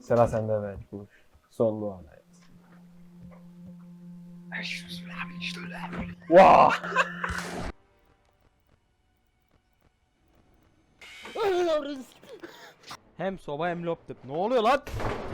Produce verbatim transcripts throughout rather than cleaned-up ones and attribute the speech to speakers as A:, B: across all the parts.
A: Sıra sende evet. Buluş. Son dua. Evet.
B: Abi işte öyle.
A: Vah!
C: Hem soba hem laptop. Ne oluyor lan?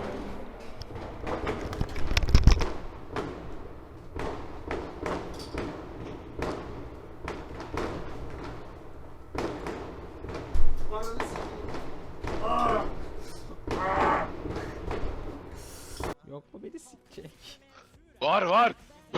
C: Yok mu beni sikecek?
B: Var var.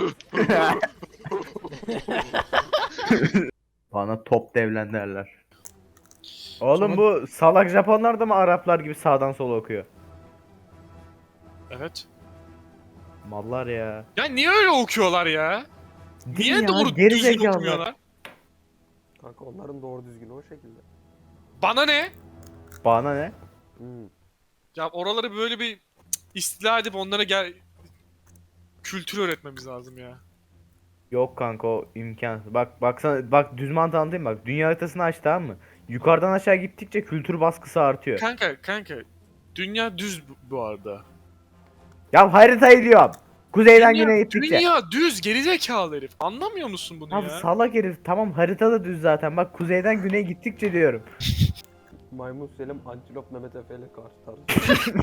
D: Bana top devlen derler. Oğlum
B: Sonra-
D: bu salak Japonlar da mı Araplar gibi sağdan sola okuyor?
B: Evet.
D: Mallar ya.
B: Ya niye öyle okuyorlar ya?
D: Değil
B: Niye
D: ya,
B: doğru
D: geri
B: düzgün
D: zekalılar.
B: okumuyorlar?
A: Kanka onların doğru düzgünü o şekilde.
B: Bana ne?
D: Bana ne?
A: Hmm.
B: Ya oraları böyle bir cık, istila edip onlara gel kültür öğretmemiz lazım ya.
D: Yok kanka o imkansız. Bak baksana bak düz mantığı anlatayım bak. Dünya haritasını aç tamam mı? Yukarıdan aşağı gittikçe kültür baskısı artıyor.
B: Kanka kanka dünya düz bu, bu arada.
D: Ya haritayı diyorum. Kuzeyden
B: Dünya,
D: güneye gittikçe.
B: dünya düz gerizekalı herif. Anlamıyor musun bunu
D: Abi
B: ya?
D: salak herif tamam haritada düz zaten. Bak kuzeyden güneye gittikçe diyorum.
A: Maymun Selim, Antilop Mehmet Efe ile karşı tarzı.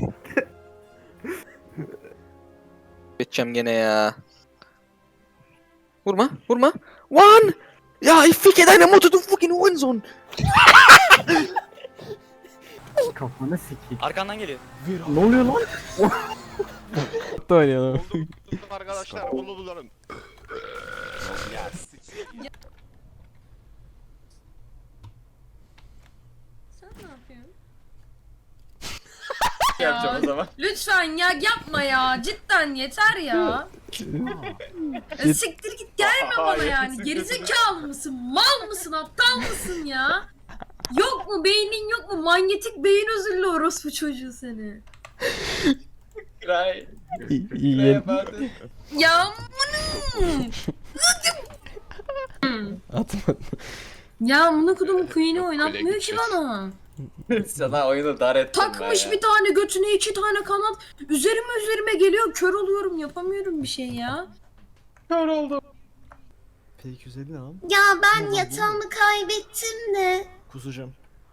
E: Geçeceğim gene ya. Vurma, vurma. One! Ja, ich ficke deine Mutter, du fucking Hurensohn!
D: Kafana sikik.
E: Arkandan geliyor.
D: Ne oluyor lan?
C: Da oynayalım.
F: Arkadaşlar bunu bulalım.
G: Sen ne yapıyorsun?
E: Yapacağım o zaman.
G: Lütfen ya yapma ya. Cidden yeter ya. Ya siktir git gelme bana yani. Gerizekalı mısın? Mal mısın? Aptal mısın ya? Yok mu beynin yok mu? Manyetik beyin özürlü orospu çocuğu seni.
E: Cry.
C: İyi.
G: Ya amına.
C: Atma.
G: Ya amına kodumun queen'i oynatmıyor ki bana.
E: Sana oyunu dar ettim
G: Takmış bir tane götüne iki tane kanat. Üzerime üzerime geliyor. Kör oluyorum. Yapamıyorum bir şey ya.
F: P iki yüz elli ne lan?
G: Ya ben yatağımı kaybettim de.
F: Kusacağım.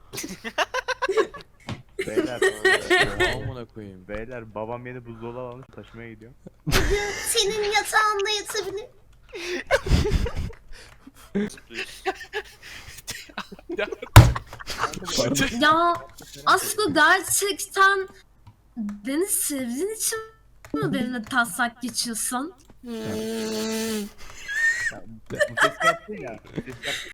D: Beyler. Amına koyayım. Beyler babam yeni buzdolabı almış taşımaya gidiyor.
G: Senin yatağında yatabilir. Ya Aslı gerçekten beni sevdiğin için mi benimle taslak geçiyorsun?
D: Bu ses yaptın ya. Bu ses yaptın